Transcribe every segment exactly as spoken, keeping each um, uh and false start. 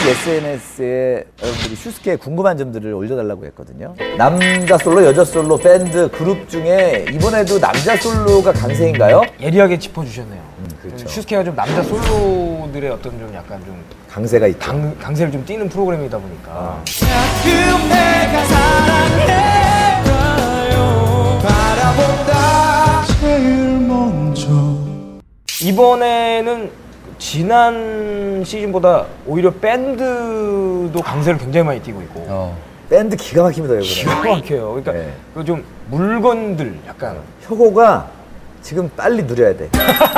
에스엔에스에 여러분들이 슈스케에 궁금한 점들을 올려달라고 했거든요. 남자 솔로, 여자 솔로, 밴드, 그룹 중에 이번에도 남자 솔로가 강세인가요? 예리하게 짚어주셨네요. 음, 그렇죠. 슈스케가 좀 남자 솔로들의 어떤 좀 약간 좀 강세가 있죠. 강, 강세를 좀 띠는 프로그램이다 보니까. 아. 내가 사랑해요. 바라본다 제일 먼저. 이번에는 지난 시즌보다 오히려 밴드도 강세를 굉장히 많이 띠고 있고. 어. 밴드 기가 막힙니다, 이번에. 기가 막혀요. 그러니까 네. 그 좀 물건들 약간. 혁오가 지금 빨리 누려야 돼.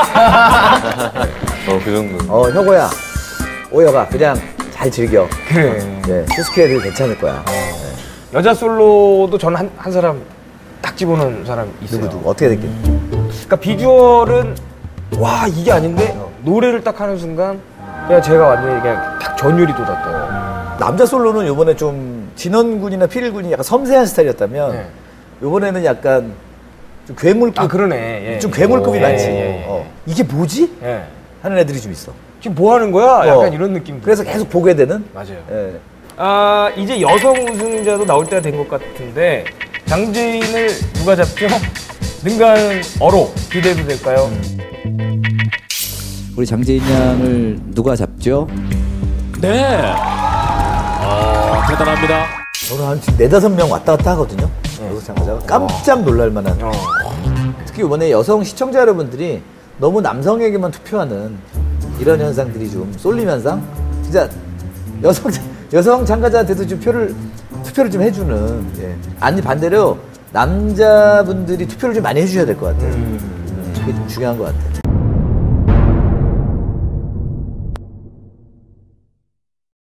어, 그 정도. 어, 혁오야. 오혁아, 그냥 잘 즐겨. 그래. 네, 슈스케도 괜찮을 거야. 네. 여자 솔로도 저는 한, 한 사람 딱 집어넣은 사람 있어요. 누구, 누구, 어떻게 됐겠니? 그러니까 비주얼은 와 이게 아닌데 노래를 딱 하는 순간 그냥 제가 완전히 그냥 딱 전율이 돋았던. 남자 솔로는 요번에 좀 진원군이나 피릴군이 약간 섬세한 스타일이었다면 네. 요번에는 약간 좀 괴물급, 아 그러네. 예. 좀 괴물급이 오, 많지. 예, 예, 예. 어. 이게 뭐지? 예. 하는 애들이 좀 있어. 지금 뭐 하는 거야? 약간 어. 이런 느낌. 그래서 계속 보게 되는. 맞아요. 예. 아 이제 여성 우승자도 나올 때가 된 것 같은데 장재인을 누가 잡죠? 능가하는 어로 기대도 될까요? 음. 우리 장재인 양을 누가 잡죠? 네. 어, 대단합니다. 저는 한 지금 네다섯 명 왔다 갔다 하거든요. 여성 참가자가 깜짝 놀랄 만한. 어. 특히 이번에 여성 시청자 여러분들이 너무 남성에게만 투표하는 이런 현상들이 좀 쏠림 현상? 진짜 여성 여성 참가자한테도 좀 표를 투표를 좀 해주는. 예. 아니 반대로 남자분들이 투표를 좀 많이 해주셔야 될 것 같아요. 음, 그게 좀 중요한 것 같아요.